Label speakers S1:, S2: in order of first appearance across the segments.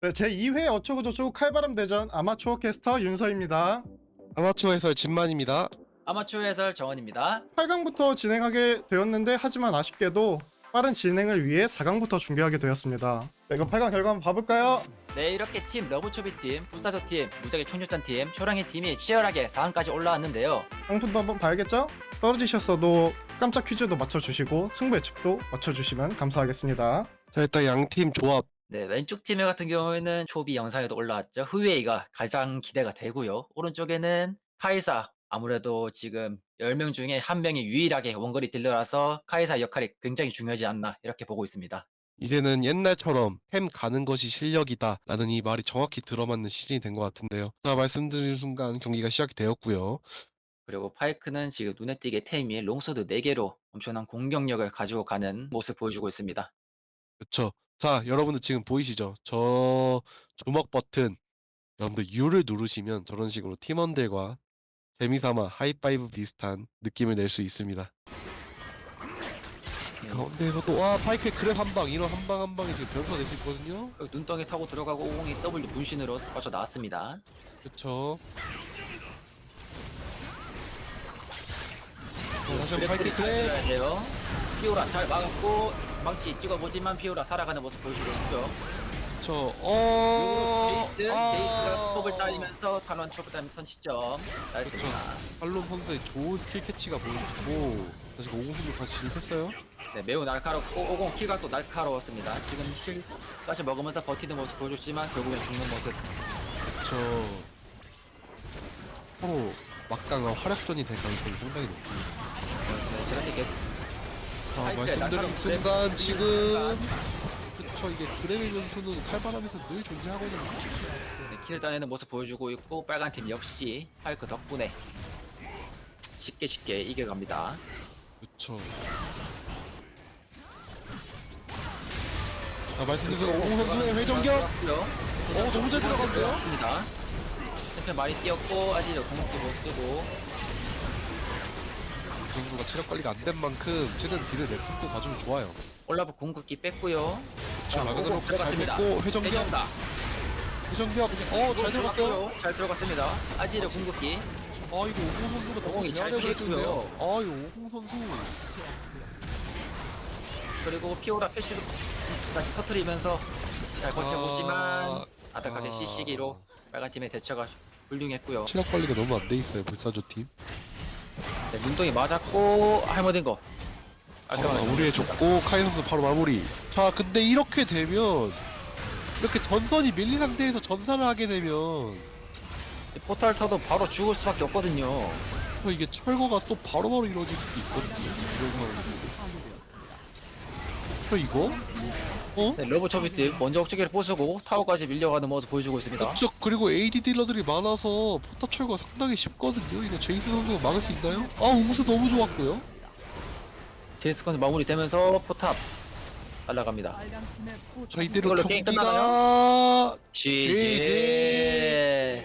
S1: 네, 제2회 어초고저초 칼바람 대전 아마추어 캐스터 윤서입니다.
S2: 아마추어 해설 진만입니다.
S3: 아마추어 해설 정원입니다.
S1: 8강부터 진행하게 되었는데 하지만 아쉽게도 빠른 진행을 위해 4강부터 중계하게 되었습니다. 네, 그럼 8강 결과 한번 봐볼까요?
S3: 네, 이렇게 팀 러브초비팀, 불사조팀, 무작위 총력전팀, 초랑이 팀이 치열하게 4강까지 올라왔는데요.
S1: 상품도 한번 봐야겠죠? 떨어지셨어도 깜짝 퀴즈도 맞춰주시고 승부 예측도 맞춰주시면 감사하겠습니다.
S2: 자, 일단 양팀 조합.
S3: 네, 왼쪽 팀 같은 경우에는 초비 영상에도 올라왔죠. 흐웨이가 가장 기대가 되고요. 오른쪽에는 카이사, 아무래도 지금 10명 중에 1명이 유일하게 원거리 딜러라서 카이사 역할이 굉장히 중요하지 않나 이렇게 보고 있습니다.
S2: 이제는 옛날처럼 햄 가는 것이 실력이다 라는 이 말이 정확히 들어맞는 시즌이 된 것 같은데요. 자, 말씀드린 순간 경기가 시작이 되었고요.
S3: 그리고 파이크는 지금 눈에 띄게 템이 롱소드 4개로 엄청난 공격력을 가지고 가는 모습 보여주고 있습니다.
S2: 그쵸. 자, 여러분들 지금 보이시죠? 저 주먹 버튼, 여러분들 U를 누르시면 저런 식으로 팀원들과 재미삼아 하이파이브 비슷한 느낌을 낼 수 있습니다. 가운데에서도 와 파이크의 그랩 한방, 이런 한방 한 방이 지금 변수가 될 수 있거든요.
S3: 눈덩이 타고 들어가고 50이 W 분신으로 빠져 나왔습니다.
S2: 그쵸. 자, 다시 한번 파이크
S3: 그래프리 잘
S2: 그랩.
S3: 들어야 돼요. 피오라 잘 막았고 망치 찍어보지만 피오라 살아가는 모습 보여주고 있고요.
S2: 저,
S3: 제이스가 톱을 따이면서 탈론 톱을 따이면서 선취점 나였습니다.
S2: 팔롬 선수의 좋은 킬 캐치가 보이고 다시 50승도 같이 진입했어요.
S3: 네, 매우 날카롭고 50 킬가 또 날카로웠습니다. 지금 킬까지 먹으면서 버티는 모습 보여줬지만 결국엔 죽는 모습.
S2: 저 서로 막강한 활약전이 될 가능성이 상당히 높습니다.
S3: 네, 제가 이렇게
S2: 자,
S3: 파이크의
S2: 말씀드린
S3: 날카로운
S2: 순간
S3: 그랩
S2: 지금 그쵸, 이게 드래곤 선수는 칼바람에서 늘 존재하거든요.
S3: 네, 킬을 따내는 모습 보여주고 있고 빨간 팀 역시 파이크 덕분에 쉽게 이겨갑니다.
S2: 그쵸. 자, 말씀드린 순간 50 선수의 회전격. 너무 잘 들어갔어요.
S3: 습니다 챔피언 많이 뛰었고 아직 공격도 못 쓰고
S2: 이 선수가 체력 관리가 안 된 만큼 최대한 딜을 내품도 가지면 좋아요.
S3: 올라프 궁극기 뺐고요.
S2: 자, 라그나로크 잘
S3: 들어갔습니다.
S2: 됐고 회전격.
S3: 회전다.
S2: 회전격. 잘 들어갔어요.
S3: 잘 들어갔습니다. 아지르 궁극기.
S2: 아, 이거 50 선수가 너무
S3: 오공이 잘
S2: 미안해
S3: 피했고요.
S2: 보였는데요. 아, 이거 50 선수.
S3: 그리고 피오라 패시브 다시 터트리면서 잘 버텨보지만 아득하게 CC기로 빨간 팀의 대처가 훌륭했고요.
S2: 체력 관리가 너무 안 돼 있어요, 불사조 팀.
S3: 네, 눈덩이 맞았고 할머딘 거.
S2: 우리의 줬고 카이 선수 바로 마무리. 자, 근데 이렇게 되면 이렇게 전선이 밀린 상태에서 전사를 하게 되면
S3: 포탈 쳐도 바로 죽을 수밖에 없거든요.
S2: 또 이게 철거가 또 바로바로 이루어질 수도 있거든요. 이런 상황에서. 이거? 어?
S3: 네, 러브 초비팀 먼저 억제기를 부수고 타워까지 밀려가는 모습 보여주고 있습니다.
S2: 그쵸. 그리고 AD 딜러들이 많아서 포탑 철거가 상당히 쉽거든요. 이거 제이스 선수가 막을 수 있나요? 아, 웅수 너무 좋았고요.
S3: 제이스 컨 마무리되면서 포탑 날아갑니다.
S2: 자, 이대로
S3: 이걸로 게임
S2: 경기가
S3: GG.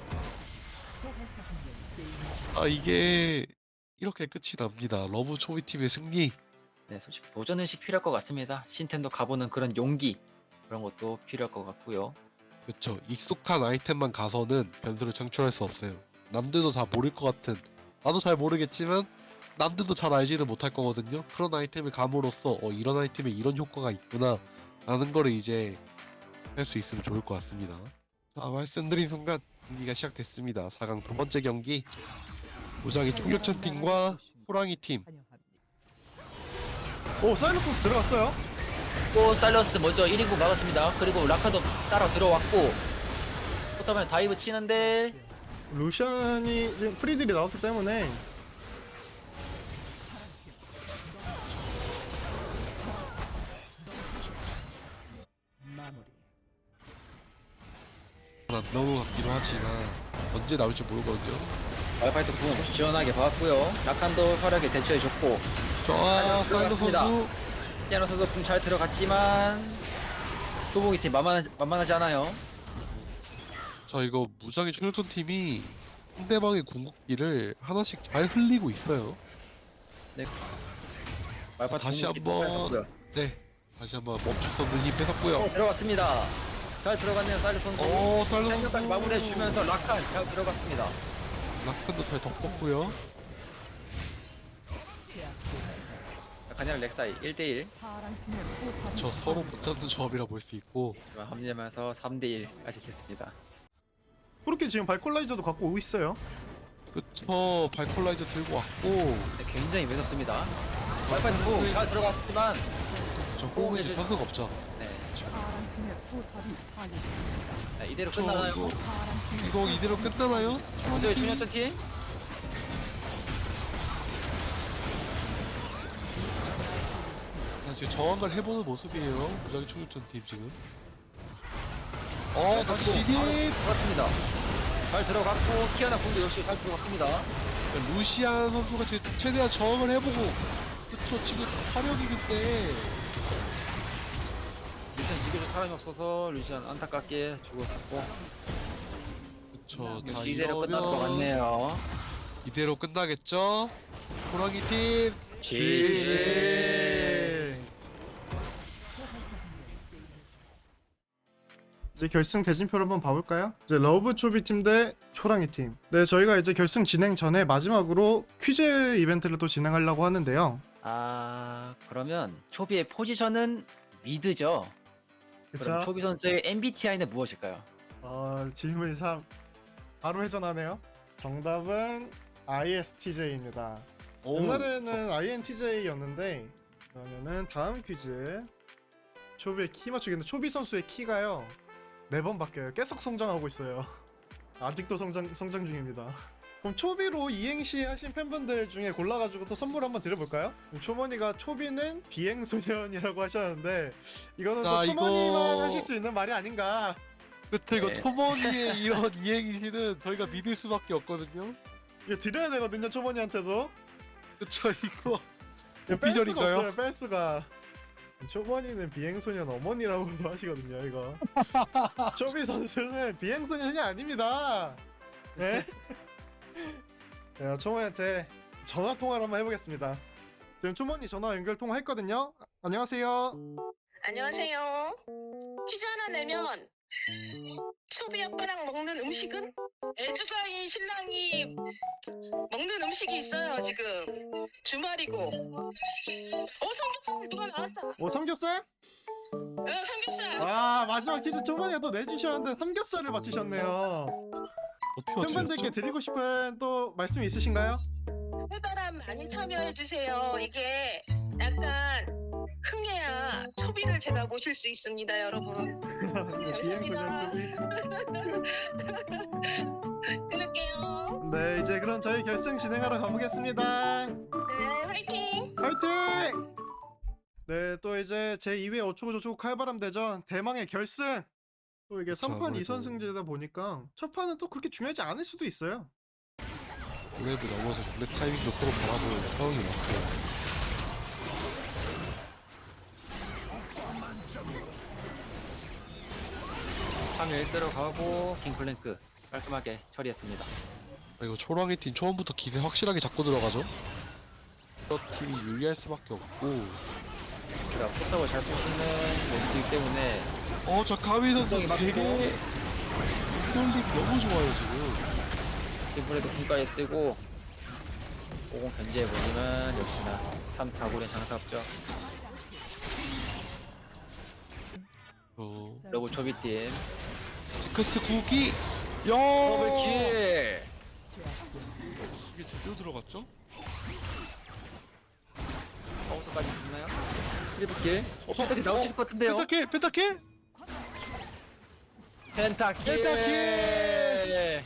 S2: 아, 이게 이렇게 끝이 납니다. 러브 초비 팀의 승리.
S3: 네, 솔직히 도전의식 필요할 것 같습니다. 신텐도 가보는 그런 용기 그런 것도 필요할 것 같고요.
S2: 그쵸. 익숙한 아이템만 가서는 변수를 창출할 수 없어요. 남들도 다 모를 것 같은, 나도 잘 모르겠지만 남들도 잘 알지는 못할 거거든요. 그런 아이템을 감으로써 이런 아이템에 이런 효과가 있구나 라는 거를 이제 할 수 있으면 좋을 것 같습니다. 자, 말씀드린 순간 경기가 시작됐습니다. 4강 두 번째 경기, 무작위 총격전 팀과 호랑이 팀.
S1: 오, 사이러스 선수 들어갔어요.
S3: 또 사일런스 먼저 1인구 막았습니다. 그리고 라카도 따라 들어왔고 포탑에 다이브 치는데
S1: 루시안이 지금 프리딜이 나왔기 때문에
S2: 안 나오는 것 같기도 하지만 언제 나올지 모르거든요.
S3: 와이파이도 궁 시원하게 박았고요. 라칸도 화려하게 대처해줬고
S2: 자, 사이드 선수.
S3: 피아노 선수 궁 잘 들어갔지만 조봉이 팀 만만하지 않아요.
S2: 자, 이거 무장의 총격전 팀이 상대방의 궁극기를 하나씩 잘 흘리고 있어요.
S3: 와이파이
S2: 다시
S3: 궁극기
S2: 한번.
S3: 뺏었고요.
S2: 네, 다시 한번 멈출 수 없는 힘 뺏었고요.
S3: 들어갔습니다. 잘 들어갔네요, 사일러스 선수.
S2: 달러
S3: 생명까지 마무리해주면서 라칸 잘 들어갔습니다.
S2: 라칸도 잘 덮었고요.
S3: 라칸이랑 렉사이 1대1
S2: 저 서로 못 잡는 조합이라 볼 수 있고.
S3: 합류하면서 3대1까지 됐습니다.
S1: 그렇게 지금 발콜라이저도 갖고 오고 있어요.
S2: 그쵸, 발콜라이저 들고 왔고.
S3: 네, 굉장히 매섭습니다. 발판 잘 들어갔지만
S2: 저 호응이 이제 선수가 없죠.
S3: 네.
S4: 파괴.
S3: 자, 이대로
S2: 저
S3: 끝나나요?
S2: 이거 이대로 끝나나요?
S3: 먼저 중년전 팀.
S2: 지금 저항을 해보는 모습이에요. 무작위 총격전 팀 지금. 다시 진입!
S3: 들어갔습니다. 잘 들어갔고 키아나 군도 역시 잘 들어갔습니다.
S2: 루시안 선수가 지금 최대한 저항을 해보고. 그쵸, 지금 화력이 그때.
S3: 루시안 지켜줄 사람이 없어서 루시안 안타깝게 죽었고
S2: 그쵸, 자
S3: 역시 이대로 끝날 것
S2: 이러면
S3: 같네요.
S2: 이대로 끝나겠죠? 호랑이 팀
S1: 이제 결승 대진표를 한번 봐볼까요? 이제 러브 초비 팀 대 초랑이 팀. 네, 저희가 이제 결승 진행 전에 마지막으로 퀴즈 이벤트를 또 진행하려고 하는데요.
S3: 그러면 초비의 포지션은 미드죠. 그럼
S1: 그쵸?
S3: 초비 선수의 MBTI는 무엇일까요?
S1: 질문이 참 바로 회전하네요. 정답은 ISTJ입니다. 옛날에는 INTJ였는데 그러면은 다음 퀴즈 초비의 키 맞추기인데 초비 선수의 키가요 매번 바뀌어요. 계속 성장하고 있어요. 아직도 성장 중입니다. 그럼 초비로 이행시 하신 팬분들 중에 골라가지고 또 선물 한번 드려볼까요? 초머니가 초비는 비행소년이라고 하셨는데 이거는
S2: 자,
S1: 또 초머니만
S2: 이거-
S1: 하실 수 있는 말이 아닌가.
S2: 그쵸, 이거
S3: 네.
S2: 토머니의 이런 이행시는 저희가 믿을 수밖에 없거든요.
S1: 이거 드려야 되거든요, 초머니한테도.
S2: 그쵸, 이거
S1: 뺄 수가
S2: 오피셜인가요?
S1: 없어요, 뺄 수가. 초머니는 비행소년 어머니라고도 하시거든요, 이거. 초비 선수는 비행소년이 아닙니다. 네? 제가 초머니한테 전화 통화를 한번 해보겠습니다. 지금 초머니 전화 연결 통화했거든요. 안녕하세요.
S5: 안녕하세요. 퀴즈 하나 내면 초비 아빠랑 먹는 음식은? 애주가인 신랑이 먹는 음식이 있어요 지금. 주말이고. 삼겹살 누가 나왔다.
S1: 삼겹살?
S5: 삼겹살.
S1: 마지막 퀴즈 초머니가 또 내주셨는데 삼겹살을 맞히셨네요.
S2: 어떻게
S1: 팬분들께
S2: 맞추셨죠?
S1: 드리고 싶은 또 말씀 있으신가요?
S5: 해바람 많이 참여해 주세요. 이게 약간 흥해야 초비를 제가 모실 수 있습니다, 여러분.
S1: 비행소년 초비.
S5: 끊을게요.
S1: 네, 이제 그럼 저희 결승 진행하러 가보겠습니다.
S5: 네, 화이팅.
S1: 화이팅! 네, 또 이제 제2회 어초고저초고 칼바람 대전 대망의 결승! 또 이게
S2: 그쵸,
S1: 3판
S2: 아무래도.
S1: 2선승제다 보니까 첫 판은 또 그렇게 중요하지 않을 수도 있어요.
S2: 그래도 넘어서 블랙 타이밍도 서로 바라보는 상황이 왔고.
S3: 상일 들어가고 킹플랭크 깔끔하게 처리했습니다.
S2: 이거 초랑이 팀 처음부터 기세 확실하게 잡고 들어가죠? 저 팀이 유리할 수밖에 없고.
S3: 제가 포탑을 잘 부수는 모습이기 때문에
S2: 자 가위 선수
S3: 굉장히 막히고.
S2: 되게 홀릭 너무 좋아요 지금.
S3: 팀플에도 분까지 쓰고 50 견제해보지만 역시나 3타구는 장사 없죠. 러브 초비팀
S2: 지크스 구기.
S3: 더블킬.
S2: 이게 제대로 들어갔죠?
S3: 파우스까지 붙나요? 트리플킬. 펜타킬 나올 수 있을 것 같은데요.
S2: 펜타킬.
S3: 펜타킬.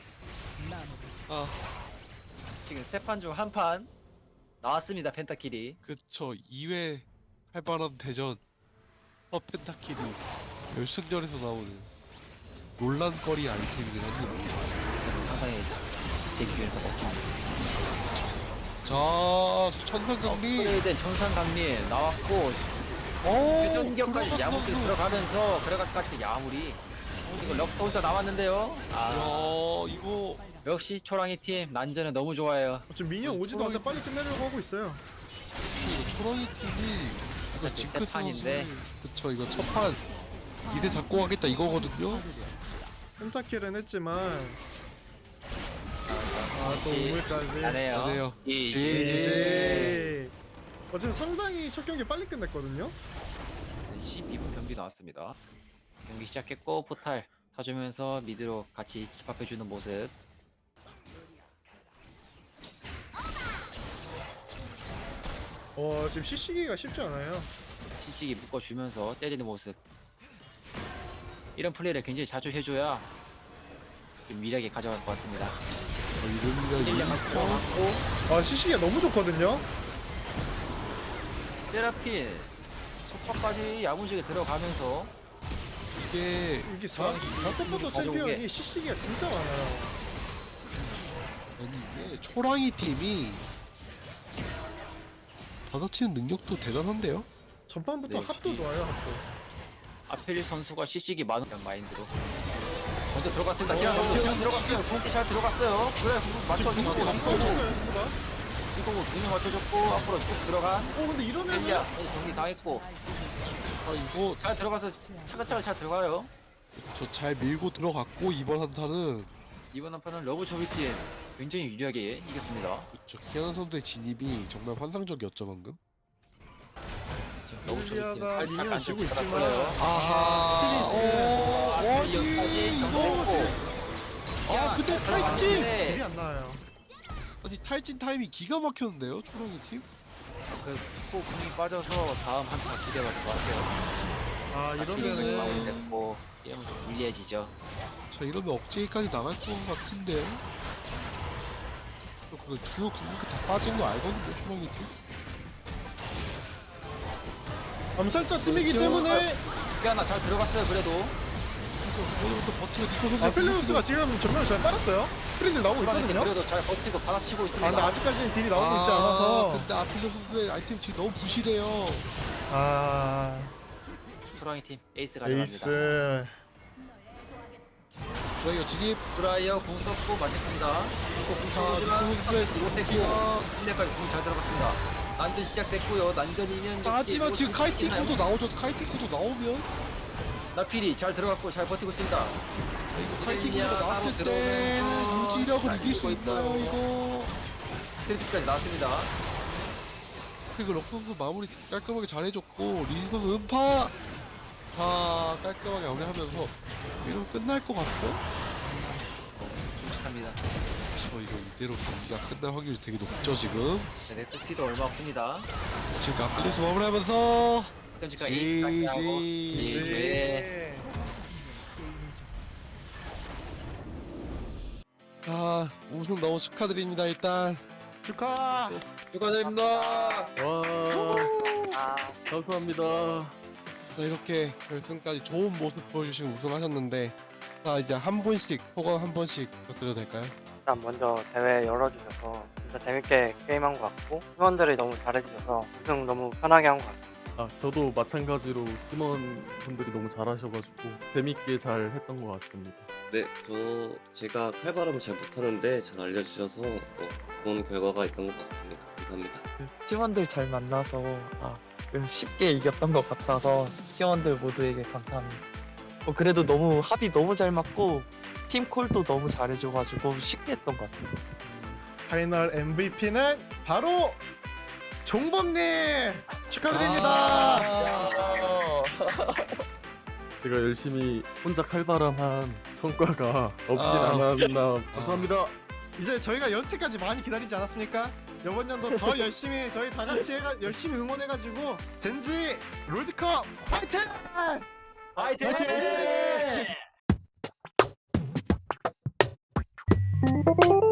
S2: 아
S3: 지금 세 판 중 한 판 나왔습니다. 펜타킬이.
S2: 그쵸, 2회 칼바람 대전 펜타킬이 결승전에서 나오는 논란거리 아이템이긴 합니다.
S3: 상당히 제 기준에서 멋집니다.
S2: 자, 천상강리.
S3: 업그레이드된 천상강림 나왔고 회전격까지 야무지 들어가면서 그래가지고 야무리. 이거 럭스 혼자 남았는데요.
S2: 이거
S3: 역시 초랑이 팀 난전은 너무 좋아요.
S1: 지금 미니언 오지도 않는데 빨리 끝내려고 하고 있어요.
S2: 초랑이 팀이
S3: 어차피 세 판인데.
S2: 그쵸, 이거 첫판 이제 잡고 가겠다 이거거든요.
S1: 펜타킬은 했지만 또
S3: 지-
S1: 우물까지.
S3: 잘해요.
S2: 잘해요.
S1: GG. 지금 상당히 첫 경기 빨리 끝냈거든요.
S3: 12분 경기 나왔습니다. 경기 시작했고 포탈 타주면서 미드로 같이 집합해주는 모습.
S1: 지금 CC기가 쉽지 않아요.
S3: 시식이 묶어주면서 때리는 모습. 이런 플레이를 굉장히 자주 해줘야 좀 미래하게 가져갈 것 같습니다.
S2: 이름이가
S3: 1년 다시 들어갔고
S1: CC기가 너무 좋거든요.
S3: 세라핀 속박까지 야무지게 들어가면서
S2: 이게
S1: 이게 4서포터
S3: 가져온 게-
S1: 챔피언이 CC기가 진짜 많아요.
S2: 아니 이게 초랑이 팀이 받아치는 능력도 대단한데요.
S1: 전반부터
S3: 네,
S1: 합도
S3: 이-
S1: 좋아요, 합도.
S3: 아필 선수가 시식이 많은 마인드로 먼저 들어갔습니다. 기아 선수 잘 들어갔어요. 공기 잘 들어갔어요. 그래 맞춰주고
S1: 이거
S3: 이거고
S1: 수가.
S3: 이거고 두명 맞춰줬고 앞으로 쭉 들어간
S1: 근데 이러면은
S3: 벨리아 정리 다 했고
S2: 아 이거
S3: 잘 들어가서 차근차근 잘 들어가요.
S2: 저 잘 밀고 들어갔고 이번 한타는
S3: 이번 한판은 러브 조비친 굉장히 유리하게 이겼습니다.
S2: 저 키아나 선수의 진입이 정말 환상적이었죠 방금.
S3: 러브 조비친
S1: 벨리아가
S3: 살짝
S1: 미니언
S3: 안쪽
S1: 지고 있지만
S3: 들어갔어요.
S2: 아하.
S1: 스틸이 지금
S3: 여기까지 정리했고
S2: 아 근데 탈진.
S1: 딜이 안 나와요.
S2: 아니 탈진 타임이 기가 막혔는데요 초랑이 팀.
S3: 그코 공이 빠져서 다음 한타 기대가 될 것 같아요.
S1: 이러면은
S3: 마무리됐고 게임은 좀 불리해지죠.
S2: 자 이러면 억제기까지 나갈 것 같은데. 그 주요 근육이 다 빠진 거 알거든요 초랑이 팀.
S1: 암살자 팀이기 때문에
S3: 하나 잘 들어갔어요. 그래도
S2: 오늘부터 버티고 니코 선수.
S1: 펠리우스가 지금 전면을 잘 빨았어요. 프린들 나오고
S3: 초반에
S1: 있거든요.
S3: 그래도 잘 버티고 받아치고 있습니다.
S1: 근데 아직까지는 딜이 나오고 있지 않아서
S2: 근데 아필레 선수의 아이템 지금 너무 부실해요.
S3: 초랑이 팀 에이스 가져갑니다.
S1: 에이스.
S2: 저희가 진입.
S3: 브라이어 공 썼고 맞췄습니다.
S2: 자
S3: 공하지만
S2: 니코 선수의
S3: 못했고 1레까지 공 잘 들어갔습니다. 난전 시작됐고요. 난전이면
S2: 하지만 지금 카이팅코도 나오죠. 카이팅코도 나오면
S3: 나필이 잘 들어갔고 잘 버티고 있습니다.
S2: 카이팅코가 나왔을 때는 유지력을 이길 수 있나요 이거?
S3: 트리플까지 나왔습니다.
S2: 그리고 럭 선수 마무리 깔끔하게 잘해줬고 리 선수 음파 다 깔끔하게 마무리하면서 이러면 끝날 것 같죠?
S3: 축하합니다.
S2: 저 이거 이대로 경기가 끝날 확률이 되게 높죠 지금.
S3: 네, 넥스피도 얼마 없습니다.
S2: 지금 앞플리스 마무리하면서
S3: 현재까지 에이스까지 하고
S2: GG.
S3: 네.
S2: 자 우승 너무 축하드립니다 일단.
S1: 축하.
S3: 축하드립니다.
S4: 와, 감사합니다.
S2: 자, 이렇게 결승까지 좋은 모습 보여주시고 우승하셨는데 자 이제 한 분씩 소감 한 번씩 부탁드려도 될까요?
S6: 일단 먼저 대회 열어주셔서 진짜 재밌게 게임한 것 같고 팀원들이 너무 잘해주셔서 우승 너무 편하게 한 것 같습니다.
S4: 저도 마찬가지로 팀원분들이 너무 잘하셔가지고 재밌게 잘 했던 것 같습니다.
S7: 네, 제가 칼바람을 잘 못하는데 잘 알려주셔서 좋은 결과가 있던 것 같습니다. 감사합니다.
S8: 팀원들 잘 만나서 쉽게 이겼던 것 같아서 팀원들 모두에게 감사합니다. 그래도 너무 합이 너무 잘 맞고 팀 콜도 너무 잘해줘가지고 쉽게 했던 것 같아요.
S1: 파이널 MVP는 바로 종범님 축하드립니다.
S4: 제가 열심히 혼자 칼바람한 성과가 없진
S2: 아.
S4: 않았나. 감사합니다.
S1: 이제 저희가 여태까지 많이 기다리지 않았습니까? 이번 연도 더 열심히 저희 다 같이 열심히 응원해가지고 젠지 롤드컵 화이팅!
S3: 화이팅!